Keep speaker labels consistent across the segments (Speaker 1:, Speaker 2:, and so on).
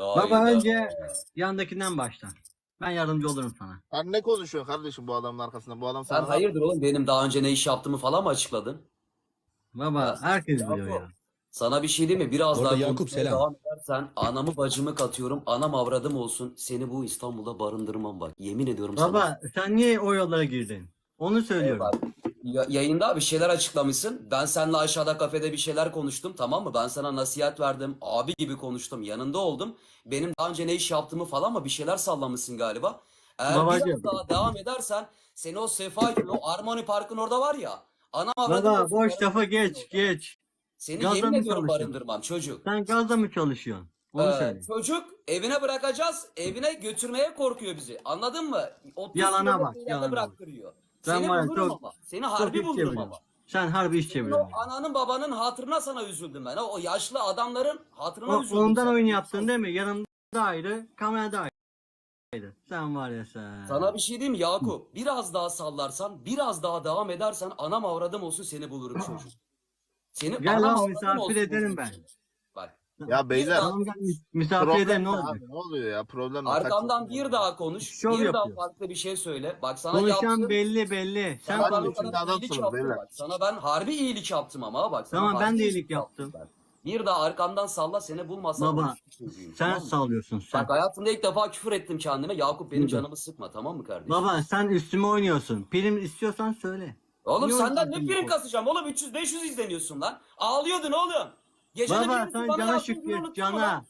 Speaker 1: Baba
Speaker 2: Hayda.
Speaker 1: önce yandakinden başla. Ben yardımcı olurum sana.
Speaker 3: Sen ne konuşuyorsun kardeşim bu adamın arkasında? Bu adam
Speaker 2: Sen
Speaker 3: sana
Speaker 2: hayırdır oğlum, benim daha önce ne iş yaptığımı falan mı açıkladın?
Speaker 1: Baba
Speaker 2: Ya,
Speaker 1: herkes
Speaker 2: Yakup,
Speaker 1: biliyor ya.
Speaker 2: sana bir şey diyeyim mi? Biraz
Speaker 4: Orada
Speaker 2: daha
Speaker 4: Yakup,
Speaker 2: konuşmaya
Speaker 4: selam.
Speaker 2: devam edersen anamı bacımı katıyorum. Anam avradım olsun. Seni bu İstanbul'da barındırmam bak. Yemin ediyorum sana.
Speaker 1: Baba sen niye o yollara girdin? Onu söylüyorum.
Speaker 2: Bak, yayında bir şeyler açıklamışsın. Ben seninle aşağıda kafede bir şeyler konuştum, tamam mı? Ben sana nasihat verdim. Abi gibi konuştum. Yanında oldum. Benim daha önce ne iş yaptığımı falan mı bir şeyler sallamışsın galiba. Eğer
Speaker 1: Babacığım.
Speaker 2: biraz daha devam edersen seni o Sefa gibi, o Armoni Park'ın orada var ya. Anam avradım
Speaker 1: Baba
Speaker 2: olsun,
Speaker 1: boş lafa
Speaker 2: barındırmam
Speaker 1: geç
Speaker 2: seni orada.
Speaker 1: geç.
Speaker 2: Seni
Speaker 1: Gazla
Speaker 2: yemin
Speaker 1: mı
Speaker 2: ediyorum
Speaker 1: çalışıyorsun?
Speaker 2: barındırmam çocuk.
Speaker 1: Sen gazla mı çalışıyorsun? Onu söyle.
Speaker 2: Çocuk evine bırakacağız. Evine götürmeye korkuyor bizi. Anladın mı? 30
Speaker 1: Yalana
Speaker 2: kilometre
Speaker 1: bak,
Speaker 2: ileride
Speaker 1: yalana bak.
Speaker 2: bıraktırıyor.
Speaker 1: Sen
Speaker 2: Seni
Speaker 1: var ya,
Speaker 2: bulurum
Speaker 1: çok-
Speaker 2: ama. Seni
Speaker 1: Çok
Speaker 2: harbi
Speaker 1: iş
Speaker 2: bulurum
Speaker 1: çeviriyorsun.
Speaker 2: ama.
Speaker 1: Sen harbi iş
Speaker 2: Senin o
Speaker 1: çeviriyorsun.
Speaker 2: ananın babanın hatırına sana üzüldüm ben. O yaşlı adamların hatırına üzüldüm.
Speaker 1: Ondan
Speaker 2: sana.
Speaker 1: oyun yaptın değil mi? Yanımda ayrı, kamerada ayrı. Sen var ya sen.
Speaker 2: Sana bir şey diyeyim mi Yakup? Biraz daha sallarsan, biraz daha devam edersen anam avradım olsun seni bulurum çocuk. Seni
Speaker 1: Gel
Speaker 2: anam
Speaker 1: lan,
Speaker 2: avradım
Speaker 1: misafir
Speaker 2: olsun
Speaker 1: ederim
Speaker 2: bulurum
Speaker 1: ben.
Speaker 2: seni. Bak.
Speaker 3: Ya beyler
Speaker 1: Tamam gel misafir
Speaker 3: problem
Speaker 1: ederim ne
Speaker 3: ne
Speaker 1: olacak?
Speaker 3: abi? Ne oluyor ya? Problem ne?
Speaker 2: Arkamdan
Speaker 3: Kaç-
Speaker 2: bir daha konuş.
Speaker 1: Şov
Speaker 2: Bir daha
Speaker 1: yapıyor.
Speaker 2: farklı bir şey söyle. Bak sana
Speaker 1: Konuşan
Speaker 2: yaptım.
Speaker 1: belli. Sen
Speaker 2: Sana ben
Speaker 3: Hadi
Speaker 2: o
Speaker 3: şimdi
Speaker 2: kadar iyilik
Speaker 3: adamsınız
Speaker 2: yaptım
Speaker 3: beyler.
Speaker 2: bak. Sana ben harbi iyilik yaptım ama bak. Sana
Speaker 1: Tamam, ben
Speaker 2: harbi
Speaker 1: de iyilik yaptım.
Speaker 2: ben. Bir daha arkamdan salla, seni bulmasam
Speaker 1: Baba,
Speaker 2: orospu çocuğuyum,
Speaker 1: sen
Speaker 2: tamam mı?
Speaker 1: sallıyorsun sen.
Speaker 2: Bak hayatımda ilk defa küfür ettim kendime. Yakup benim
Speaker 1: Hı.
Speaker 2: canımı sıkma, tamam mı kardeşim?
Speaker 1: Baba sen üstüme oynuyorsun. Prim istiyorsan söyle.
Speaker 2: Oğlum
Speaker 1: Niye
Speaker 2: senden ne
Speaker 1: oynuyorsun
Speaker 2: prim
Speaker 1: bu?
Speaker 2: kasacağım oğlum? 300-500 izleniyorsun lan. Ağlıyordun oğlum. Gecenin
Speaker 1: Baba
Speaker 2: yarısı
Speaker 1: sen
Speaker 2: bana
Speaker 1: cana
Speaker 2: yazdığın günü
Speaker 1: şükret
Speaker 2: unuttun mu
Speaker 1: cana.
Speaker 2: lan?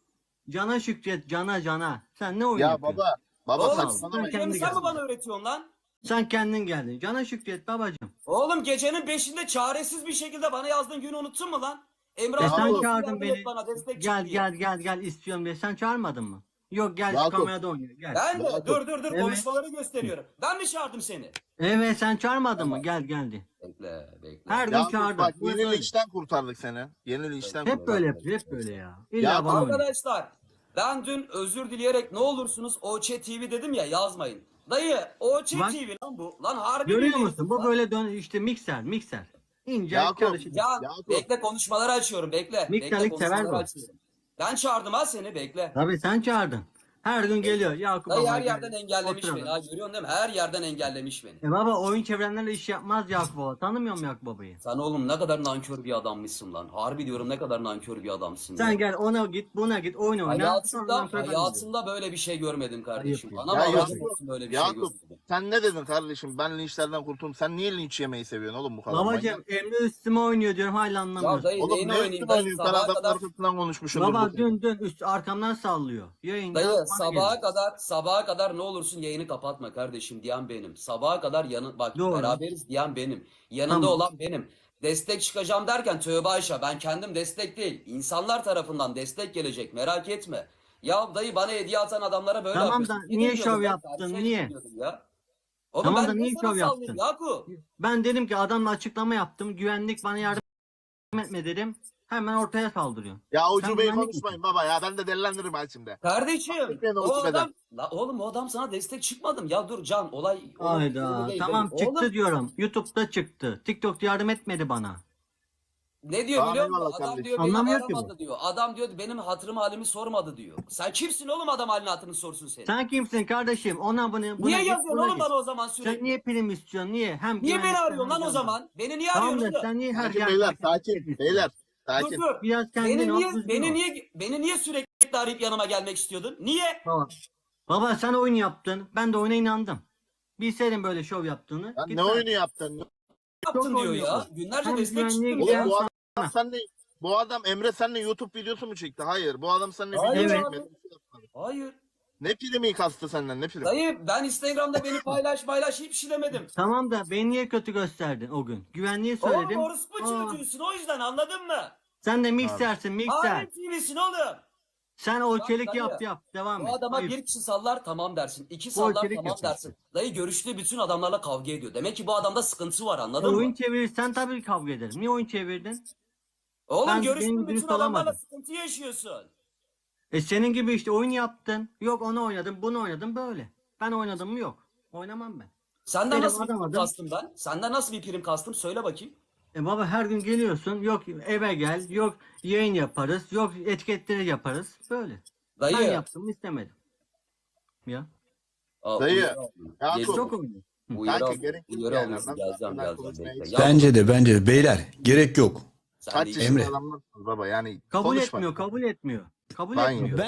Speaker 1: Cana şükret cana. Sen ne oyun
Speaker 3: Ya
Speaker 1: yapıyorsun?
Speaker 3: baba
Speaker 2: Oğlum
Speaker 3: saçmalama.
Speaker 1: sen
Speaker 2: sen
Speaker 1: kendi
Speaker 2: mi
Speaker 1: geldin.
Speaker 2: bana öğretiyorsun lan?
Speaker 1: Sen kendin geldin. Cana şükret babacığım.
Speaker 2: Oğlum gecenin 5'inde çaresiz bir şekilde bana yazdığın günü unuttun mu lan? Emre
Speaker 1: Sen
Speaker 2: abi
Speaker 1: çağırdın
Speaker 2: yardım
Speaker 1: beni.
Speaker 2: et bana, destek
Speaker 1: Gel
Speaker 2: çık diye.
Speaker 1: gel istiyorum diye. Sen çağırmadın mı? Yok gel şu
Speaker 3: Yakup.
Speaker 1: kamerada oynuyor. Gel.
Speaker 2: Ben de
Speaker 3: Yakup.
Speaker 2: dur
Speaker 1: Evet.
Speaker 2: konuşmaları gösteriyorum. Ben mi çağırdım seni?
Speaker 1: Evet sen çağırmadın mı? Geldi.
Speaker 2: Bekle.
Speaker 1: Her gün
Speaker 3: Ya
Speaker 1: çağırdım.
Speaker 3: bak
Speaker 1: Bu hep
Speaker 3: yeni
Speaker 1: öyle.
Speaker 3: linçten kurtardık seni. Yeni linçten kurtardık.
Speaker 1: Hep böyle yapıyor. Hep böyle ya. İlla
Speaker 3: Ya
Speaker 1: bana oynuyor.
Speaker 2: Arkadaşlar ben dün özür dileyerek ne olursunuz OÇ TV dedim ya, yazmayın. Dayı OÇ
Speaker 1: Bak.
Speaker 2: TV lan bu. Lan harbi
Speaker 1: Görüyor
Speaker 2: billahi
Speaker 1: musun? Bu
Speaker 2: lan.
Speaker 1: böyle dön işte mikser. İnce
Speaker 3: Yakup,
Speaker 1: çalışır.
Speaker 2: Ya
Speaker 3: Yakup.
Speaker 2: bekle konuşmaları açıyorum bekle.
Speaker 1: Miktarlık
Speaker 2: Bekle
Speaker 1: sever
Speaker 2: konuşmaları
Speaker 1: bu.
Speaker 2: açıyorum. Ben çağırdım ha seni, bekle.
Speaker 1: Tabii sen çağırdın. Her gün geliyor. Yakup
Speaker 2: Dayı
Speaker 1: baba
Speaker 2: her
Speaker 1: gel.
Speaker 2: yerden engellemiş
Speaker 1: Oturalım.
Speaker 2: beni ha, görüyorsun değil mi? Her yerden engellemiş beni.
Speaker 1: Baba oyun çevrenlerle iş yapmaz Yakup baba. Tanımıyor musun Yakup babayı?
Speaker 2: Sen oğlum ne kadar nankör bir adammışsın lan. Harbi diyorum, ne kadar nankör bir adamsın.
Speaker 1: Sen
Speaker 2: ya.
Speaker 1: gel ona git buna git oyun oyna. Ondan
Speaker 2: Hayatımda,
Speaker 1: sonra ben
Speaker 2: hayatımda böyle bir şey görmedim kardeşim.
Speaker 1: Ayıp ya.
Speaker 2: Anam
Speaker 3: Ya
Speaker 2: avradım
Speaker 3: Yakup,
Speaker 2: olsun böyle bir şey
Speaker 3: Yakup
Speaker 2: görmedim.
Speaker 3: sen ne dedin kardeşim? Ben linçlerden kurtuldum. Sen niye linç yemeyi seviyorsun oğlum bu kadar?
Speaker 1: Babacım Emre üstüme oynuyor diyorum hala
Speaker 2: Ya
Speaker 1: anlamıyorsun.
Speaker 2: dayı
Speaker 3: Oğlum
Speaker 2: neyini
Speaker 3: ne
Speaker 2: oynayayım
Speaker 3: üstüne
Speaker 2: dayı,
Speaker 3: oynuyorsun? Sen
Speaker 2: sabaha
Speaker 3: adamın
Speaker 2: kadar.
Speaker 3: arkasından konuşmuşsundur.
Speaker 1: Baba
Speaker 3: bu.
Speaker 1: dün üst arkamdan sallıyor. Yayında
Speaker 2: Dayı
Speaker 1: bana
Speaker 2: sabaha kadar ne olursun yayını kapatma kardeşim diyen benim. Sabaha kadar bak
Speaker 1: Doğru.
Speaker 2: beraberiz diyen benim. Yanında
Speaker 1: Tamam.
Speaker 2: olan benim. Destek çıkacağım derken tövbe Ayşe, ben kendim destek değil. İnsanlar tarafından destek gelecek, merak etme. Ya dayı bana hediye atan adamlara böyle
Speaker 1: Tamam
Speaker 2: yapıyorsun.
Speaker 1: da
Speaker 2: Gidin
Speaker 1: niye
Speaker 2: diyordum
Speaker 1: şov
Speaker 2: ben,
Speaker 1: yaptın,
Speaker 2: karşıya
Speaker 1: niye?
Speaker 2: gidin diyordum ya. Oğlum
Speaker 1: Tamam
Speaker 2: ben
Speaker 1: da
Speaker 2: niye
Speaker 1: niye
Speaker 2: sana
Speaker 1: şov
Speaker 2: sallayayım
Speaker 1: yaptın?
Speaker 2: Yakup?
Speaker 1: Ben dedim ki adamla açıklama yaptım. Güvenlik bana yardım etme dedim. Hemen ortaya saldırıyor.
Speaker 3: Ya
Speaker 1: Sen
Speaker 3: ucubeyi
Speaker 1: güvenlik
Speaker 3: konuşmayın baba ya. Ben de delilendiririm ha şimdi.
Speaker 2: Kardeşim
Speaker 3: Beni
Speaker 2: o
Speaker 3: ucubeden.
Speaker 2: adam, la oğlum o adam sana destek çıkmadım. Ya dur Can, olay
Speaker 1: Hayda.
Speaker 2: değil,
Speaker 1: Tamam
Speaker 2: değil.
Speaker 1: çıktı
Speaker 2: Oğlum,
Speaker 1: diyorum. YouTube'da çıktı. TikTok'ta yardım etmedi bana.
Speaker 2: ne diyor
Speaker 3: Tamam,
Speaker 2: biliyor musun?
Speaker 3: eyvallah
Speaker 2: Adam
Speaker 3: kardeşim.
Speaker 2: diyor beni
Speaker 1: Anlamıyor ki bu.
Speaker 2: aramadı diyor. Adam diyor benim hatırım halimi sormadı diyor. Sen kimsin oğlum adam halini hatırını sorsun seni?
Speaker 1: Sen kimsin kardeşim? Ona bunu
Speaker 2: Niye
Speaker 1: git,
Speaker 2: yazıyorsun
Speaker 1: buna
Speaker 2: oğlum
Speaker 1: git.
Speaker 2: bana o zaman sürekli?
Speaker 1: Sen niye prim istiyorsun? Niye? Hem
Speaker 2: Niye beni
Speaker 1: güvenlikten
Speaker 2: arıyorsun lan
Speaker 1: hem
Speaker 2: o zaman? Beni niye
Speaker 1: Tamam
Speaker 2: arıyorsun
Speaker 1: da
Speaker 2: oğlum?
Speaker 1: sen niye her
Speaker 3: Sakin
Speaker 1: yerde
Speaker 3: beyler
Speaker 1: destek
Speaker 3: sakin.
Speaker 1: istiyorsun?
Speaker 3: Beyler
Speaker 2: Dur
Speaker 3: sakin.
Speaker 2: dur.
Speaker 1: Biraz kendin
Speaker 2: Beni
Speaker 1: ol,
Speaker 2: niye,
Speaker 1: düzgün
Speaker 2: beni
Speaker 1: ol.
Speaker 2: niye, beni niye sürekli arayıp yanıma gelmek istiyordun? Niye?
Speaker 1: Baba sen oyun yaptın. Ben de oyuna inandım. Bilseydim böyle şov yaptığını.
Speaker 3: Lan ne
Speaker 1: gitmem.
Speaker 3: oyunu yaptın?
Speaker 2: Yaptın diyor
Speaker 1: oynuyor.
Speaker 2: ya. Günlerce
Speaker 1: Hem
Speaker 2: destek
Speaker 1: güvenliğe
Speaker 2: çıktım
Speaker 3: Oğlum
Speaker 2: ya.
Speaker 3: bu adam senle bu adam Emre seninle YouTube videosu mu çekti? Hayır. Bu adam seninle
Speaker 2: Hayır
Speaker 3: video
Speaker 1: abi.
Speaker 3: çekmedi.
Speaker 2: Hayır.
Speaker 3: Ne primi kastı senden? Ne primi?
Speaker 2: Dayı ben Instagram'da beni paylaş hiçbir şey demedim.
Speaker 1: Tamam da beni niye kötü gösterdin o gün? Güvenliği söyledim.
Speaker 2: Oğlum orospu
Speaker 1: Aa,
Speaker 2: çocuğusun, o yüzden, anladın mı?
Speaker 1: sen de miksersin mikser.
Speaker 2: Alem TV'sin oğlum.
Speaker 1: Sen o
Speaker 2: Bak
Speaker 1: çelik
Speaker 2: dayı,
Speaker 1: yap. Devam
Speaker 2: Bu
Speaker 1: et.
Speaker 2: adama
Speaker 1: Ayıp.
Speaker 2: bir kişi sallar tamam dersin. İki
Speaker 1: Bu
Speaker 2: sallar
Speaker 1: ülkelik
Speaker 2: tamam
Speaker 1: yapıyorsun.
Speaker 2: dersin. Dayı görüştüğü bütün adamlarla kavga ediyor. Demek ki bu adamda sıkıntı var, anladın
Speaker 1: Oyun
Speaker 2: mı?
Speaker 1: çevirirsen tabii kavga ederim. Niye oyun çevirdin?
Speaker 2: Oğlum
Speaker 1: ben
Speaker 2: görüştüğün
Speaker 1: benim
Speaker 2: bütün
Speaker 1: dürüst
Speaker 2: adamlarla
Speaker 1: olamadım.
Speaker 2: sıkıntı yaşıyorsun.
Speaker 1: Senin gibi işte oyun yaptın. Yok onu oynadım bunu oynadım böyle. Ben oynadım mı yok. Oynamam ben.
Speaker 2: Senden
Speaker 1: Benim
Speaker 2: nasıl bir
Speaker 1: adam
Speaker 2: prim
Speaker 1: adam.
Speaker 2: kastım ben? Senden nasıl bir prim kastım? Söyle bakayım.
Speaker 1: Baba her gün geliyorsun. Yok eve gel. Yok yayın yaparız. Yok etiketleri yaparız. Böyle. Ben
Speaker 2: Dayı.
Speaker 1: yaptım istemedim. Ya.
Speaker 3: Dayı, ya
Speaker 2: Gel-
Speaker 1: Çok oynuyor.
Speaker 2: Uyarı,
Speaker 3: Kanka
Speaker 2: al-
Speaker 3: gerek yok
Speaker 2: uyarı
Speaker 3: yani.
Speaker 2: alıyorsun.
Speaker 3: Nasıl
Speaker 2: Geleceğim
Speaker 3: hakkında
Speaker 2: bekle.
Speaker 3: konuşmaya
Speaker 2: Ya,
Speaker 4: Bence de beyler gerek yok.
Speaker 2: sen
Speaker 3: Kaç
Speaker 2: de-
Speaker 3: yaşında
Speaker 4: Emre.
Speaker 3: adamlarsınız baba yani
Speaker 1: Kabul
Speaker 3: konuşma.
Speaker 1: etmiyor, kabul etmiyor. Kabul
Speaker 3: Ben
Speaker 1: etmiyor.